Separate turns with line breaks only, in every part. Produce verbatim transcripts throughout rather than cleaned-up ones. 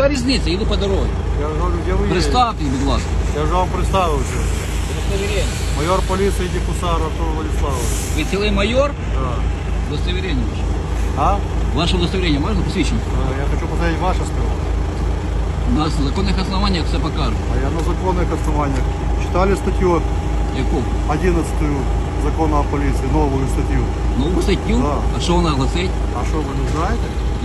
Яка різниця? Їду по дорозі.
Я говорю, де ви є?
Представте, будь ласка.
Я вже вам представився.
Удостоверення.
Майор поліції Дікусар Артур Владиславович.
Ви цілий майор?
Да.
Удостоверення ваше.
А?
Ваше удостоверення можна посвідчення?
Е, Я хочу посмотреть ваше сперва.
У нас на законних основаннях все покажуть.
А я на законних основаннях. Читали статтю
Яку?
одиннадцатую закону о поліції, нову статтю.
Нову статтю?
Да.
А що вона гласить?
А що, ви не знаєте?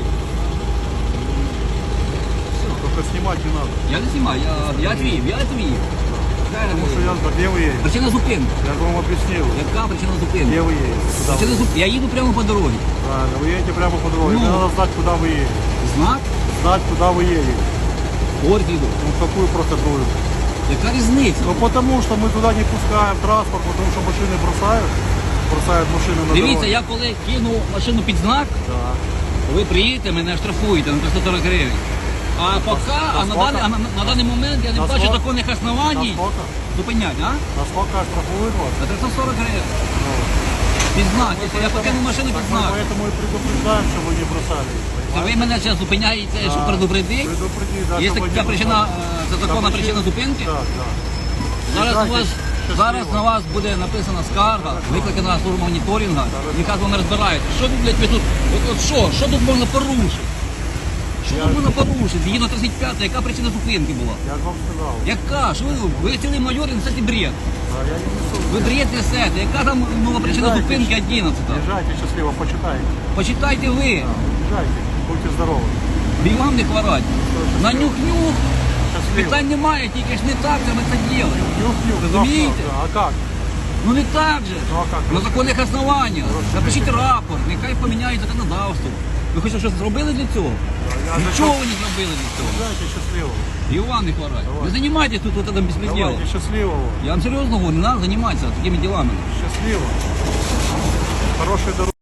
Тільки знімати не треба.
Я не знімаю, я, я твій, я твій.
Тому що я, де ви є?
Причина зупинки.
Я ж вам об'яснив.
Яка причина зупинки?
Де ви є? Куди ви?
Причина зупинки. Я їду прямо по дорозі.
Правильно, вы едете прямо по дороге.
Ну.
Мне надо знать, куда вы едете.
Знак?
Знать, куда вы едете.
От їду.
Ну, какую процедуру?
Яка різниця?
Ну, потому что мы туда не пускаем транспорт, потому что машины бросают. Бросают машины на
Дивіться,
дороге.
я коли кину машину під знак,
Да.
ви приїдете, мене штрафуєте на триста сорок гривень. А поки, а на, даний, а на, на даний момент я не
На
бачу
сколько?
законних основаній
Насколько?
зупинять, а?
Насколько штрафуют вас?
На триста сорок гривень.
Ну,
Під знак. Якщо я покину машину
так
під
мы
знак.
поэтому и предупреждаем, что вы не бросали.
То ви мене зараз зупиняєте, щоб предупредити?
Предупредить, да,
Є
чтобы вы
така
не
причина,
бросали.
е, це законна
Та
причина зупинки?
Так, так.
Зараз на вас,
Щасливо.
зараз на вас буде написана скарга, викликана служба моніторингу, яка з вами розбирається. Що ви, блядь, ви тут, от, от що, що тут можна порушити? Що
Я-
тут можна порушити? Згідно тридцять п'ятої, яка причина зупинки була?
Я же вам сказал.
Яка? Що ви, ви цілий майор і несете бред?
Да, я не несу.
Ви бред несете. Яка там нова причина
Езжайте.
зупинки одинадцята?
Езжайте счастливо, почитайте.
Почитайте ви.
Езжайте, будьте здоровы.
Бігам не хворать. На нюх-нюх.
Счастливо.
Питань немає, тільки ж не так же ми це робимо.
Нюх-нюх.
Розумієте?
Да, а как?
Ну не так же.
Ну, а как?
На законних основаннях.
Розумієте.
Напишіть рапорт, нехай поміняють законодавство. Ви хоч щось зробили для цього?
Я
Нічого ви не зробили для цього.
Езжайте счастливо.
Іван не хворать.
Давай.
Не займайтесь тут вот этим беспределом.
Давайте счастливого.
Я вам серйозно говорю, не треба займатися такими ділами.
Счастливо. Хорошей дороги.